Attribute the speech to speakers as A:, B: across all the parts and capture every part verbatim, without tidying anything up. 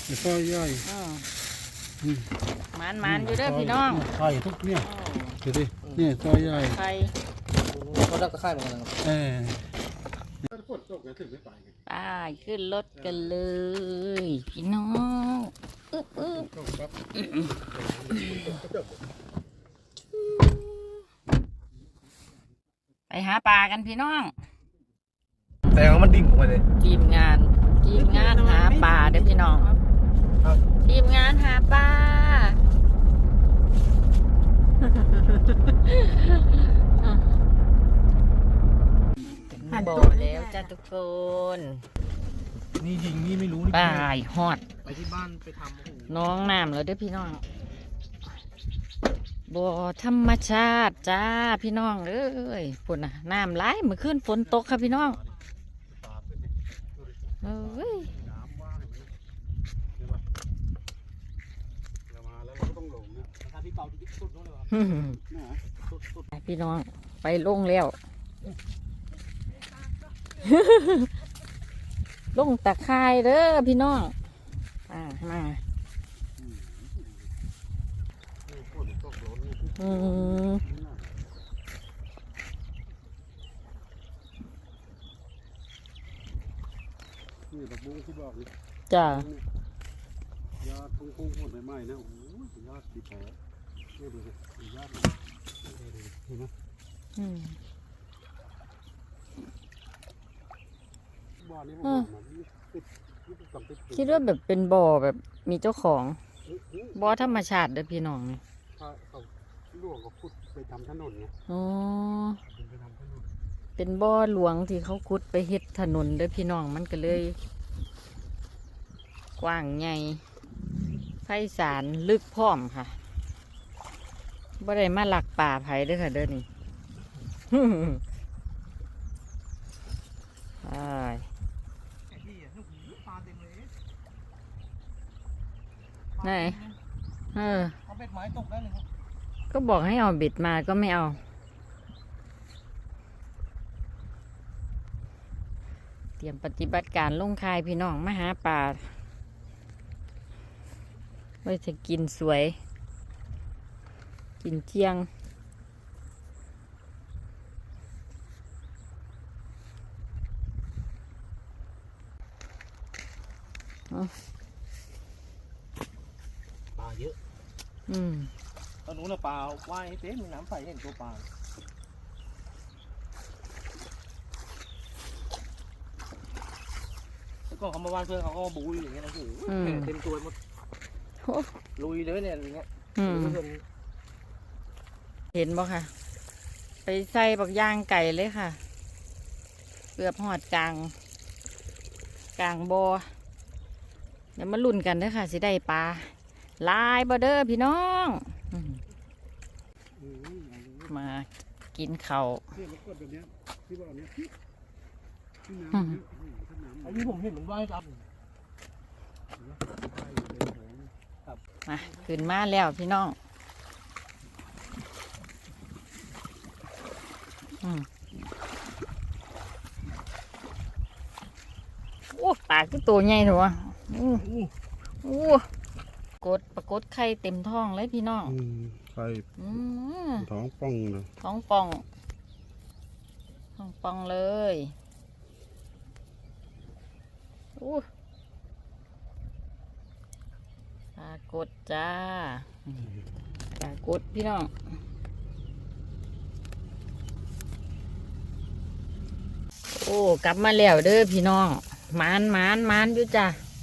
A: ซอยใหญ่
B: มันมันอยู่เด้อพี่น้อง
A: ไข่ทุกเนี่ยดูดิเนี่ยซอยใหญ่
B: ไข่
C: เขาดักตะไคร้เหมือนกัน
A: เออ
B: ไปขึ้นรถกันเลยพี่น้องอึ๊บอึ๊บไปหาปลากันพี่น้อง
C: แต่มันดิ่งลงไปเลย
B: ทีมงานทีมงานหาปลาเด้อพี่น้องทีมงานหาปลาบอกแล้วจ้าทุกคน
C: นี่ยิงนี่ไม่รู้นี่
B: ปลาฮอด
C: ไปที่บ้านไปท
B: ำน้องน้ำแล้วเด้อพี่น้องบ่อธรรมชาติจ้าพี่น้องเอ้ยฝนน่ะน้ำไหลเมื่อคืนฝนตกครับพี่น้องเอ้ยพี่น้องไปลงแล้วลงตะไคร้เด้อพี่น้องอ่ามาอืม
A: นี่ดอกบุ้งที่บอกนี่
B: จ้า
A: ญาติพุ่งพุ่งหมดใหม่ๆนะโอ้ยญาติดีแผลนี่ดูสิญาติเห็นไหม
B: อืม
A: บ่อนี้
B: คิดว่าแบบเป็นบ่อแบบมีเจ้าของบ่อธรรมชาติเด้อพี่น้องนี่
A: เขาหลวงเขาขุดไปทำถนนไง
B: อ๋อเป็นบ่อหลวงที่เขาขุดไปเฮ็ดถนนเด้อพี่น้องมันก็เลยกว้างใหญ่ไพศาลลึกพร้อมค่ะบ่ได้มาหลักป่าไผเด้อค่ะเด้อนี่ใช่ไหนเออ
C: เอาเบ็ดไม้ตกได้เลย
B: ก็บอกให้เอาเบ็ดมาก็ไม่เอาเตรียมปฏิบัติการลงคายพี่น้องมาหาปลาไว้จะกินสวยกินเที่ยง
C: ปลาเยอะ
B: อืม
C: ตอนนู้นปลาว่ายเต็มมีน้ำใสเห็นตัวปลาแล้วก็เขามาว่านเพื่อนเขาก็มาบูยอย่างเงี้ยนะโอ้โหเต็มตัวหมดลุยเลยเนี่ยอย่างเงี้ย
B: เห็นบ่ค่ะไปใส่บักย่างไก่เลยค่ะเกือบหอดกลางกลางบ่อเดี๋ยวมาลุ้นกันเด้อค่ะสิได้ปลาลายบ่เด้อพี่น้องมากินข้าว
C: อันนี้ผมเห็นมันว่ายครับ
B: มาขึ้นมาแล้วพี่น้องโอ้ปลาคือตัวใหญ่ถูกป่ะโอ้โอ้กดปรากฏไข่เต็มท้องเลยพี่น้อง
A: ไข่ท้องป่องเลย
B: ท้องป่องท้องป่องเลยโอ้ปรากฏจ้าปรากฏพี่น้องโอ้กลับมาแล้วเด้อพี่น้องมานมานมานอยู่จ้ะ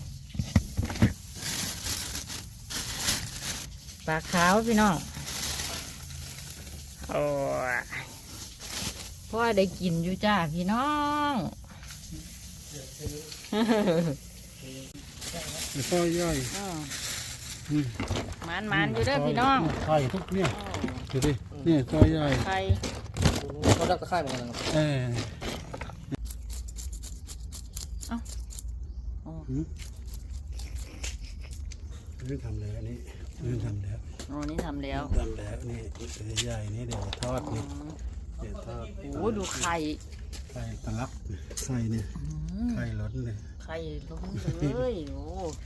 B: ปลาขาวพี่น้องโอ้พ่อได้กินอยู่จ้าพี่น้อง
A: ซอยใหญ่
B: มานมานอยู่เด้อพี่น้อง
A: ไข่ทุกเนี่ยดูดิเนี่ยซอยใหญ่
B: ไข่
C: เขาดักตะไคร้เหมือนกัน
A: เออนี่ทำแล้วนี่นี่ทำแล้ว
B: อ๋อนี่ทำแล้ว
A: ทำแล้วนี่ใหญ่นี่เดี๋ยวทอดนี่เดี๋ยวทอด
B: โอ้ดูไข่
A: ไข่ตะลักไข่เนี่ยไข่ล้นเลย
B: ไข่ล้นเลยโอ้